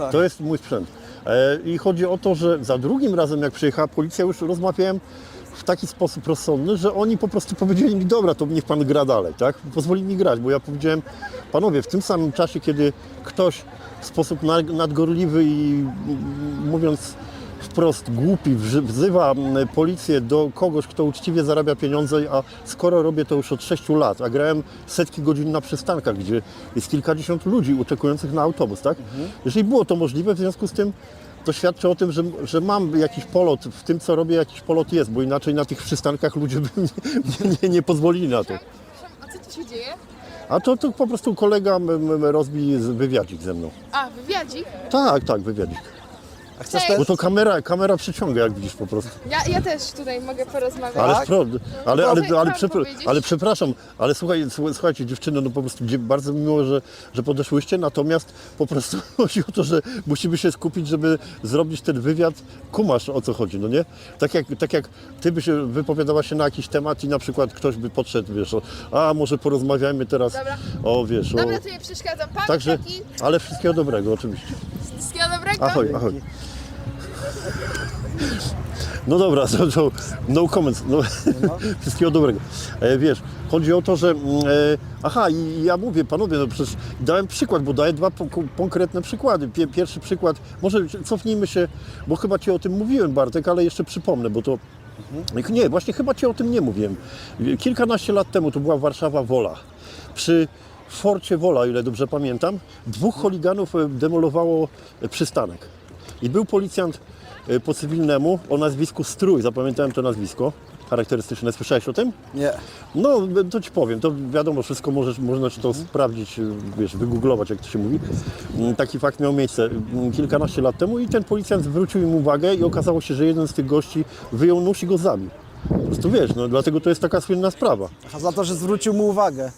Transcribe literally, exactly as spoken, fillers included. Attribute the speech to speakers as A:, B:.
A: tak.
B: To jest mój sprzęt. E, I chodzi o to, że za drugim razem jak przyjechała policja, już rozmawiałem w taki sposób rozsądny, że oni po prostu powiedzieli mi, dobra, to niech pan gra dalej, tak? Pozwoli mi grać, bo ja powiedziałem, panowie, w tym samym czasie, kiedy ktoś w sposób na- nadgorliwy i mm, mówiąc wprost głupi wży- wzywa mm, policję do kogoś, kto uczciwie zarabia pieniądze, a skoro robię to już od sześciu lat, a grałem setki godzin na przystankach, gdzie jest kilkadziesiąt ludzi oczekujących na autobus, tak? Jeżeli było to możliwe, w związku z tym to świadczy o tym, że, że mam jakiś polot, w tym co robię jakiś polot jest, bo inaczej na tych przystankach ludzie by nie, nie, nie, nie pozwolili na to.
C: A co tu się dzieje?
B: A to, to po prostu kolega m- m- rozbi z- wywiadzik ze mną.
C: A, wywiadzik?
B: Tak, tak, wywiadzik.
A: A chcesz
C: Cześć.
A: też?
B: Bo to kamera, kamera przyciąga, jak widzisz po prostu.
C: Ja, ja też tutaj mogę porozmawiać.
B: Ale,
A: Tak?
B: spro, ale, ale,
C: Co
B: ale,
C: chciałam
B: przepra-
C: powiedzieć?
B: ale przepraszam, ale słuchaj, słuchaj- słuchajcie dziewczyny, no po prostu dzie- bardzo mi miło, że, że podeszłyście, natomiast po prostu chodzi o to, że musimy się skupić, żeby zrobić ten wywiad. Kumasz, o co chodzi, no nie? Tak jak, tak jak ty byś wypowiadała się na jakiś temat i na przykład ktoś by podszedł, wiesz, o, a może porozmawiajmy teraz
C: Dobra.
B: o, wiesz,
C: Dobra,
B: o...
C: to nie przeszkadzam. Pan
B: Także,
C: taki,
B: ale wszystkiego dobrego oczywiście.
C: wszystkiego dobrego.
B: Ahoj, ahoj. No dobra, to, to no comments, no, wszystkiego dobrego. E, wiesz, chodzi o to, że, mm, e, aha, i ja mówię, panowie, no przecież dałem przykład, bo daję dwa po, konkretne przykłady. Pie, pierwszy przykład, może cofnijmy się, bo chyba Ci o tym mówiłem, Bartek, ale jeszcze przypomnę, bo to, nie, właśnie chyba Ci o tym nie mówiłem. Kilkanaście lat temu to była Warszawa Wola. Przy Forcie Wola, o ile dobrze pamiętam, dwóch choliganów e, demolowało e, przystanek. I był policjant e, po cywilnemu o nazwisku Strój, zapamiętałem to nazwisko charakterystyczne. Słyszałeś o tym?
A: Nie.
B: No, to Ci powiem, to wiadomo, wszystko możesz, można Ci to sprawdzić, wiesz, wygooglować, jak to się mówi. Mm, Taki fakt miał miejsce mm, kilkanaście lat temu i ten policjant zwrócił im uwagę i okazało się, że jeden z tych gości wyjął nóż i go zabił. Po prostu wiesz, no dlatego to jest taka słynna sprawa.
A: A za to, że zwrócił mu uwagę.